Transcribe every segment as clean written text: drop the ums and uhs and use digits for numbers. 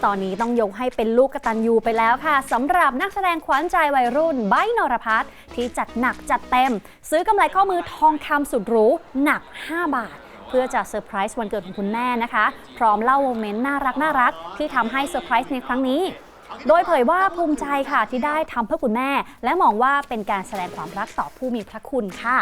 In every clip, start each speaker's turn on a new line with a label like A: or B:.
A: ตอนนี้ต้องยกให้เป็นลูกกตัญญูไปแล้วค่ะสำหรับนักแสดงขวัญใจวัยรุ่นไบร์ท นรภัสที่จัดหนักจัดเต็มซื้อกำไรข้อมือทองคำสุดหรูหนัก 5 บาทเพื่อจะเซอร์ไพรส์วันเกิดของคุณแม่นะคะพร้อมเล่าโมเมนต์น่ารักที่ทำให้เซอร์ไพรส์ในครั้งนี้โดยเผยว่าภูมิใจค่ะที่ได้ทำเพื่อคุณแม่และมองว่าเป็นการแสดงความรักต่อผู้มีพระคุณค่ะ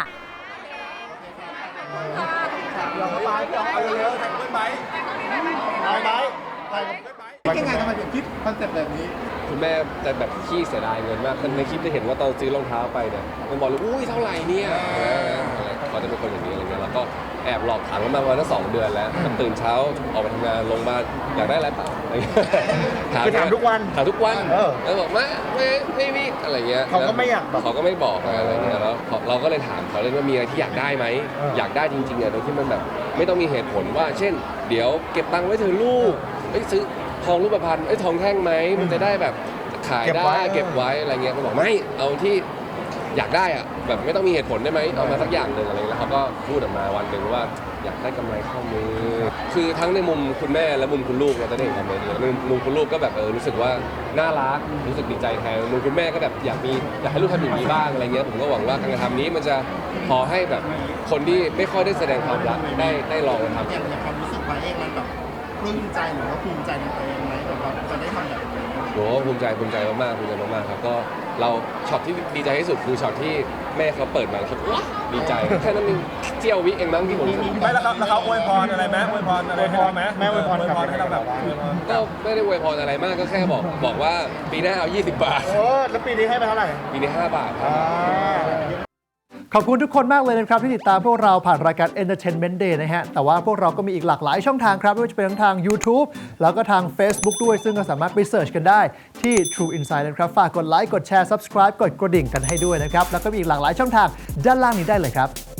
B: ยังไงทำไมถึงคิดคอนเซ็ปต์แบบนี้
C: คุณแม่จะแบบขี้เสียดายเงินมากในคลิปจะเห็นว่าตอนซื้อรองเท้าไปเนี่ยมันบอกเลยอุ้ยเท่าไหร่เนี่ยเขาจะเป็นคนอย่างนี้อะไรเงี้ยแล้วก็แอบหลอกถามกันมาวันละ2 เดือนแล้วตื่นเช้าออกไปทำงานลงบ้านอยากได้อะไรเปล่า
B: คือถามทุกวัน
C: แล้วบอกไม่มีอะไรเงี้ย
B: เขาก็ไม่อยาก
C: เขาก็ไม่บอกอะไรเงี้ยแล้วเราก็เลยถามเขาเลยว่ามีอะไรที่อยากได้ไหมอยากได้จริงๆโดยที่มันแบบไม่ต้องมีเหตุผลว่าเช่นเดี๋ยวเก็บตังค์ไว้เธอลูกซื้อทองรูปพรรณทองแท่งไหมมันจะได้แบบขายได้เก็บไว้อะไรเงี้ยเขาบอกไม่เอาที่อยากได้อะแบบไม่ต้องมีเหตุผลได้ไหมเอามาสักอย่างหนึ่งอะไรแล้วเขาก็พูดออกมาวันหนึ่งว่าอยากได้กำไรข้อมือคือทั้งในมุมคุณแม่และมุมคุณลูกเราจะได้เห็นคอมเมนต์นี้มุมคุณลูกก็แบบรู้สึกว่าน่ารักรู้สึกดีใจแทนมุมคุณแม่ก็แบบอยากให้ลูกทำอย่างนี้บ้างอะไรเงี้ยผมก็หวังว่าการกระทำนี้มันจะพอให้แบบคนที่ไม่ค่อยได้แสดงความรักได้ลองทำ
B: อย่างความรู้สึกไว้เองมันแบบปลื้มใจหรือว่าภูมิใจในตัวเองไหมแบบว่าจะได้ทำแบบนี้
C: โหภูมิใจมากครับก็เราช็อตที่ดีใจที่สุดคือช็อตที่แม่เขาเปิดมาแล้วดีใจแค่นั้นเองเจียววิเองมั้งที่ผม
D: ไม่แล้วเขาอวยพรอะไรไหมอวยพรอะไรให้เราไหม
B: แม่อวยพร
D: ให้เราแบบ
C: ก็ไม่ได้อวยพรอะไรมากก็แค่บอกว่าปีหน้าเอา20 บาท
B: แล้วปีนี้ให้ไปเท่าไหร่
C: ปีนี้5 บาทครับ
E: ขอบคุณทุกคนมากเลยนะครับที่ติดตามพวกเราผ่านรายการ Entertainment Day นะฮะแต่ว่าพวกเราก็มีอีกหลากหลายช่องทางครับไม่ว่าจะเป็นทั้งทาง YouTube แล้วก็ทาง Facebook ด้วยซึ่งก็สามารถไปเสิร์ชกันได้ที่ True Insight นะครับฝากกดไลค์กดแชร์ Subscribe กดกระดิ่งกันให้ด้วยนะครับแล้วก็มีอีกหลากหลายช่องทางด้านล่างนี้ได้เลยครับ